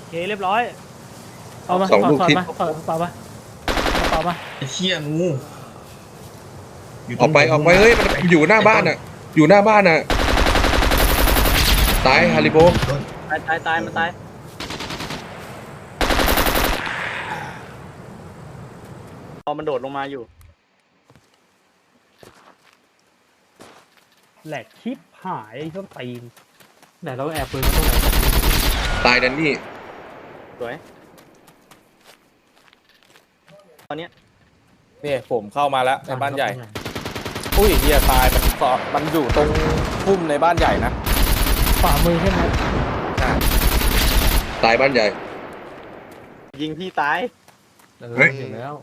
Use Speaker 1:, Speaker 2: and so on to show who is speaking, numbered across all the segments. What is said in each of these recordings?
Speaker 1: เคเรียบร้อย
Speaker 2: เอามา
Speaker 3: สองลูก
Speaker 2: ถอด
Speaker 3: ทิศ
Speaker 2: มาถอดกระเป๋ามากระเป๋ามา
Speaker 4: ไอ้เชี่ยงูยู่ต
Speaker 3: อ
Speaker 4: ร
Speaker 3: อง กไปเฮ้ยมันอยู่หน้าบ้านอ่ะ อยู่หน้าบ้านอ่ะตายฮาริโบ
Speaker 4: ต้น
Speaker 1: ตายมันตายพอมันโดดลงมาอยู่แหลกชิปหายไอ้ต้นตีน
Speaker 2: ไหนเราแอบปืนมาตรงไหน
Speaker 3: ตายแดนนี่
Speaker 1: สวยตอนเนี้ย
Speaker 5: นี่ผมเข้ามาแล้วในบ้านใหญ่ อุ้ยเฮียตายมันอยู่ตรงพุ่มในบ้านใหญ่นะ
Speaker 2: ขวามือใช่ไหม
Speaker 5: ใช่
Speaker 3: ตายบ้านใหญ่
Speaker 1: ยิงพี่ตาย
Speaker 3: เฮ้ย
Speaker 2: ถึงแล้ว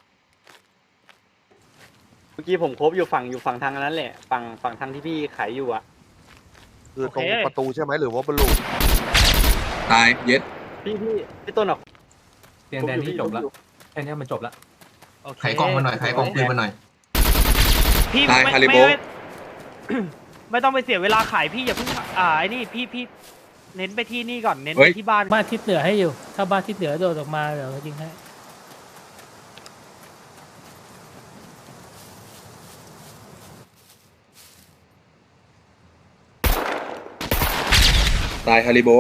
Speaker 1: เมื่อกี้ผมคบอยู่ฝั่งทางนั้นแหละฝั่งทางที่พี่ขายอยู่อ่ะ
Speaker 6: คือตรงประตูใช่ไหมหรือว่าบอลลูน
Speaker 3: ตายเย็ด
Speaker 1: พี่ต้นออก
Speaker 2: เตียงแดนนี่จบแล้วแค่นี้มันจบแล้ว
Speaker 4: ไขกล้องมาหน่อยไขกล้องปืนมาหน่อย
Speaker 1: พี่
Speaker 3: ตายฮาริโบ
Speaker 1: ไม่ต้องไปเสียเวลาขายพี่อย่าเพิ่งไอ้นี่พี่เน้นไปที่นี่ก่อนเน้น
Speaker 3: เฮ้
Speaker 1: ไป
Speaker 3: ย
Speaker 1: ที่บ้าน
Speaker 2: บ้านทิศเหนือให้อยู่ ถ้าบ้านทิศเหนือโดดออกมาเดี๋ยวยิงให้
Speaker 3: ตายฮาริโบ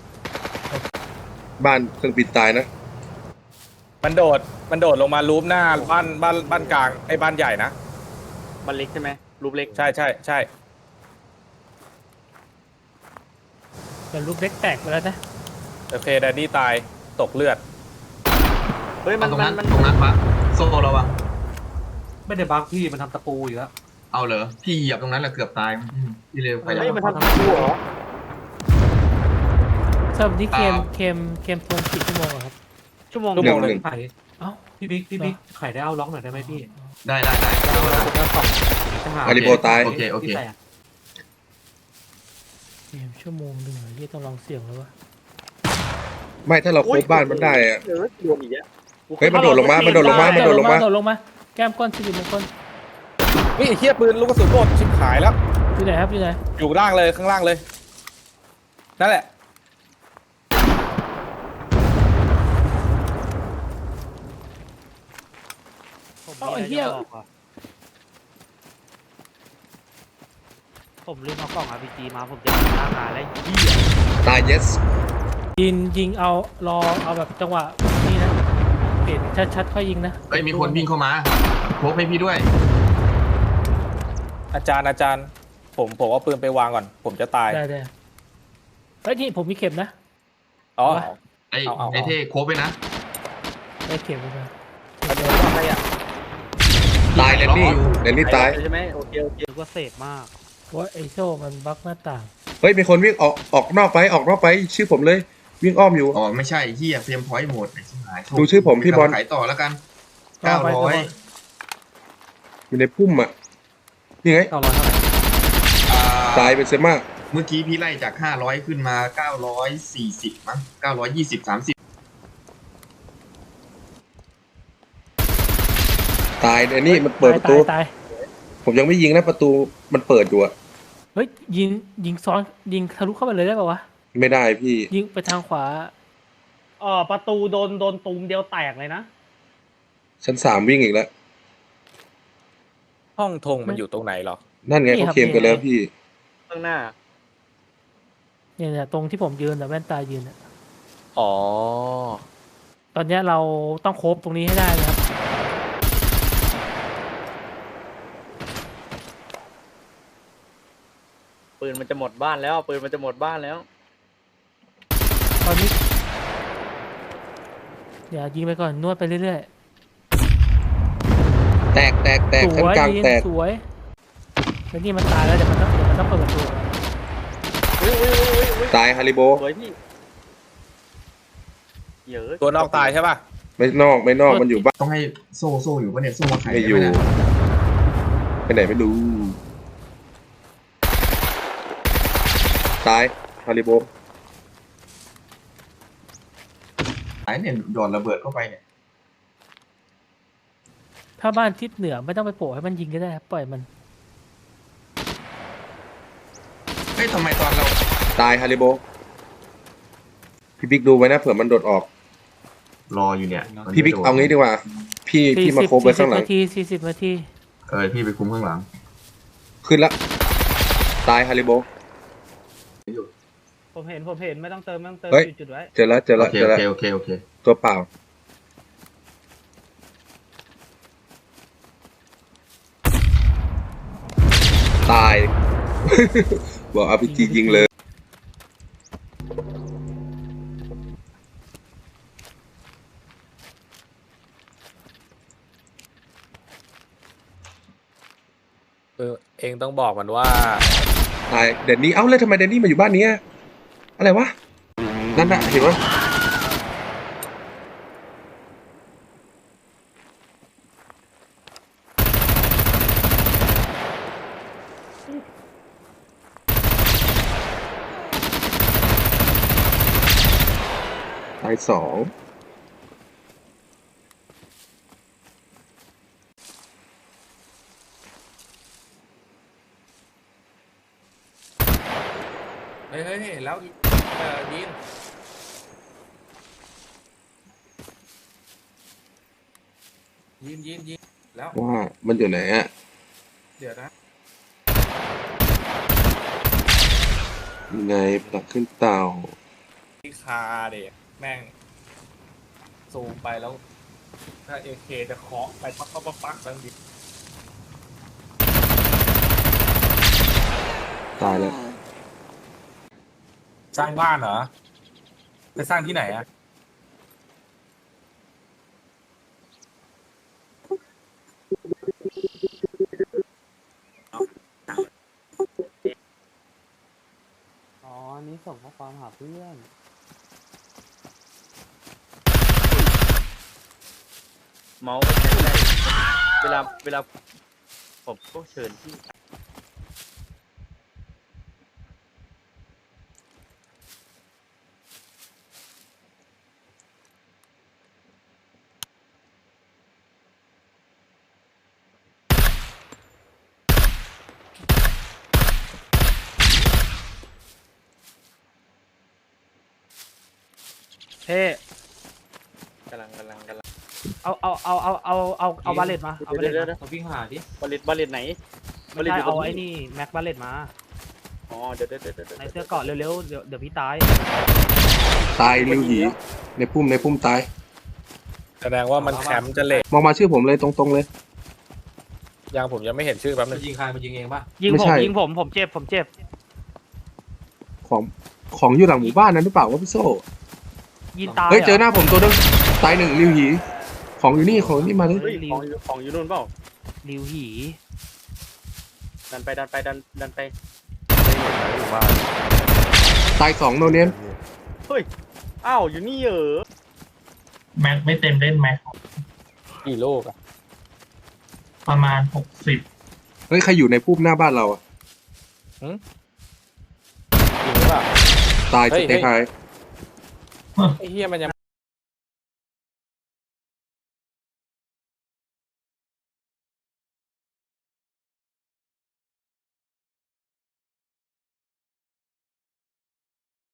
Speaker 3: บ้านเครื่องบินตายนะ
Speaker 5: มันโดดลงมารูปหน้าบ้านกลางไอ้บ้านใหญ่นะ
Speaker 1: บ้านเล็กใช่ไหมรูปเล็ก
Speaker 5: ใช่
Speaker 2: แต่ลูกเล็กแตกไปแล้วนะ
Speaker 5: โอเคแดนนี่ตายตกเลือด
Speaker 1: เฮ้ย
Speaker 4: เอาตรงนั้น
Speaker 1: มัน
Speaker 4: ตรงนั้นปะโซ่เราอะ
Speaker 2: ไม่ได้บักพี่มันทำตะปูอยู่แล้ว
Speaker 4: เอาเหรอพี่เหยียบตรงนั้นแหละเกือบตายพี่เร็วไป
Speaker 1: เฮ้ย
Speaker 4: แล้ว
Speaker 1: มันทำกูเหรอ
Speaker 2: เซิร์ฟนี่เกมทวนกี่ชั่วโมงอะครับ
Speaker 1: ชั่วโมง
Speaker 3: หนึ่ง
Speaker 2: ไข่เอ้าพี่บิ๊กไข่ได้เอาล็อกหน่อยได้ไหมพี่
Speaker 4: ได้
Speaker 2: แล้วสองทหาร
Speaker 3: ฮาริโบตาย
Speaker 4: โอเค
Speaker 2: ที่แตกเกมชั่วโมงหนึ่งเหรอที่ต้องลองเสี่ยงแล้ววะ
Speaker 3: ไม่ถ้าเราครบบ้านมันได้อะ
Speaker 1: เออโดนอีกแล้ว
Speaker 3: เฮ้ยมันโดดลงมามันโดดลงมา
Speaker 2: โดดลงมาแก้มก้อนสิริมงคล
Speaker 5: นี่เฮียปืนลูกกระสุนหมดชิบหายแล้ว
Speaker 2: อยู่ไหนครับอยู่ไหน
Speaker 5: อยู่ล่างเลยข้างล่างเลยนั่นแหละ
Speaker 1: ผมลืมเอากล่อง RPG มาผมจะหน้างานแล้วเหี้ย
Speaker 3: ตายเยส
Speaker 2: ยิงเอารอเอาแบบจังหวะนี่นะเปลี่ยนชัดๆค่อยยิงนะ
Speaker 4: เฮ้ยมีคนวิ่งเข้ามาพกให้พี่ด้วย
Speaker 5: อาจารย์ผมเอาปืนไปวางก่อน ผมจะตาย
Speaker 2: ได้เฮ้ยนี่ผมมีเข็มนะ
Speaker 5: อ๋อ
Speaker 4: ไอ้
Speaker 5: เอา
Speaker 4: ไอ้เท่โคบไปนะ
Speaker 2: ได้เข็มไปนะ
Speaker 1: อะไรอ่ะ
Speaker 3: ตายแดนนี่ตาย
Speaker 1: ใช่ไหมโอเคก็เสพมาก
Speaker 2: ว่าไอโซ่มันบั๊กหน้าต่าง
Speaker 3: เฮ้ยมีคนวิ่งออกนอกไปชื่อผมเลย วิ่งอ้อมอยู่
Speaker 4: อ๋อไม่ใช่เฮียเฟรมพอยต์หมดไอ้ชิบหาย
Speaker 3: ดูชื่อผมพี่บอล
Speaker 4: ขายต่อแล้วกัน
Speaker 2: ต่อไป
Speaker 3: อยู่ในพุ่มอ่ะนี่ไง
Speaker 2: 900เท่าไหร่
Speaker 3: ตายเป็นเซม่า
Speaker 4: เมื่อกี้พี่ไล่จาก500ขึ้นมา940มั้ง920 30
Speaker 3: ตายแดนนี่มันเปิดประตู
Speaker 2: ตาย
Speaker 3: ผมยังไม่ยิงนะประตูมันเปิดอยู่อะ
Speaker 2: เฮ้ยยิงซ้อนยิงทะลุเข้าไปเลยได้ป่าวะ
Speaker 3: ไม่ได้พี่
Speaker 2: ยิงไปทางขวา
Speaker 1: ประตูโดนตูมเดียวแตกเลยนะ
Speaker 3: ชั้น3วิ่งอีกแล้ว
Speaker 5: ห้องธงมันอยู่ตรงไหนหรอ
Speaker 3: นั่นไงเขาเคลมกันแล้วพี่
Speaker 1: ข้างหน้า
Speaker 2: เนี่ยตรงที่ผมยืนแต่แว่นตายืนอะ
Speaker 5: อ๋อ
Speaker 2: ตอนเนี้ยเราต้องโคบตรงนี้ให้ได้นะครับ
Speaker 1: ปืนมันจะหมดบ้านแล้วปืนมันจะหมดบ้านแล้ว
Speaker 2: ตอนนี้อย่ายิงไปก่อนนวดไปเรื่อย
Speaker 3: แตก
Speaker 2: ๆส
Speaker 3: ชั้น
Speaker 2: วย
Speaker 3: กลาง
Speaker 2: ยิง
Speaker 3: แตก
Speaker 2: สวยแล้วนี่มันตายแล้วเดี๋ยวมันต้องเปิดประตู
Speaker 3: ตายฮาริโบ
Speaker 1: สวยพี่เยอะ
Speaker 5: ตัวนอกตายใช่ป่ะ
Speaker 3: ไม่นอกมันอยู่บ้าน
Speaker 4: ต้องให้โซ่อยู่ปะเนี่ยโซ่มาขาย
Speaker 3: ไม่อยู่
Speaker 4: ด้หนะ
Speaker 3: ไปไหนไม่รู้ตายฮาริโบ
Speaker 4: ขายเนี่ยหยอดระเบิดเข้าไปเนี่ย
Speaker 2: ถ้าบ้านทิศเหนือไม่ต้องไปโผล่ให้มันยิงก็ได้ครับปล่อยมัน
Speaker 4: เฮ้ยทำไมตอนเรา
Speaker 3: ตายฮาริโบพี่บิ๊กดูไว้นะเผื่อมันโดดออก
Speaker 4: รออยู่เนี่ยมัน
Speaker 3: พี่บิ๊ก
Speaker 4: ไม่โดด
Speaker 3: เอางี้ดีกว่า พี่มาโคบไว้ข้างหลัง
Speaker 2: 40 นาที
Speaker 4: พี่ไปคุมข้างหลัง
Speaker 3: ขึ้นละตายฮาริโบ
Speaker 1: ผมเห็นไม่ต้องเติม
Speaker 3: เฮ้ย
Speaker 1: จุดไว้
Speaker 3: เจอแล้วเจอ
Speaker 4: โอ
Speaker 3: แล้ว
Speaker 4: เค
Speaker 3: เจอแล้ว
Speaker 4: โอเคโอเค
Speaker 3: ตัวเปล่า ตาย บอกเอาพีจียิงเลย
Speaker 5: เองต้องบอกมันว่า
Speaker 3: ตายเดนนี่เอ้าแล้วทำไมเดนนี่มาอยู่บ้านนี้อะอะไรวะ นั่นน่ะเห็นไหมตายสอง
Speaker 5: เฮ้ยเห็นแล้วยินแล้ว
Speaker 3: ว่ามันอยู่ไหนอะ
Speaker 5: เดี๋ยวนะ
Speaker 3: ยังไงปลักขึ้นเตา
Speaker 5: ที่คาเด็กแม่งซูมไปแล้ว ถ้าเอเคจะเคาะไปปักตั้งดิ
Speaker 3: ตายแล้ว
Speaker 5: สร้างบ้านเหรอไปสร้างที่ไหนอะ
Speaker 1: อ๋อนี่ส่งข้อความหาเพื่อนเมาส์ก็ใช้ไม่ได้เวลาผมก็เชิญที่เฮ้กำลังเอาบาเลตมาเอาบาเลตมาวิ่งหาดิบาเลตไหนไม่ใช่เอาไอ้นี่แม็กบาเลตมาอ๋อเดี๋ยวในเสื้อเกาะเร็วๆเดี๋ยวพี่ตาย
Speaker 3: ตายลิวหยีในพุ่มตาย
Speaker 5: แสดงว่ามันแคมป์จะเละ
Speaker 3: มองมาชื่อผมเลยตรงๆเลย
Speaker 5: ยังผมยังไม่เห็นชื่อแป๊บนึง
Speaker 1: ยิง
Speaker 3: ไม่ใช่
Speaker 1: ผมเจ็บ
Speaker 3: ของอยู่หลังหมู่บ้านนั้นหรือเปล่าวะพี่โซ่
Speaker 1: ยิงตาย
Speaker 3: เฮ้ยเจอหน้าผมตัวนึงตายหนึ่งลิวหยีของอยู่นี่มาเลย
Speaker 1: ของอยู่นู่นเปล่าริวหีดันไป
Speaker 3: ตายสองโนเนียน
Speaker 1: อ้าวอยู่นี่เหรอ
Speaker 7: แม็กไม่เต็มเล่นแม็ก
Speaker 5: กี่โลกอะ
Speaker 7: ประมาณ60
Speaker 3: เฮ้ยใครอยู่ในพุ่มหน้าบ้านเราอะ
Speaker 5: จริงหรือเปล่า
Speaker 3: ตาย
Speaker 5: เฮ้
Speaker 3: ส
Speaker 5: ย
Speaker 3: เต็กไฮ
Speaker 5: ไอ้เฮียมันยัง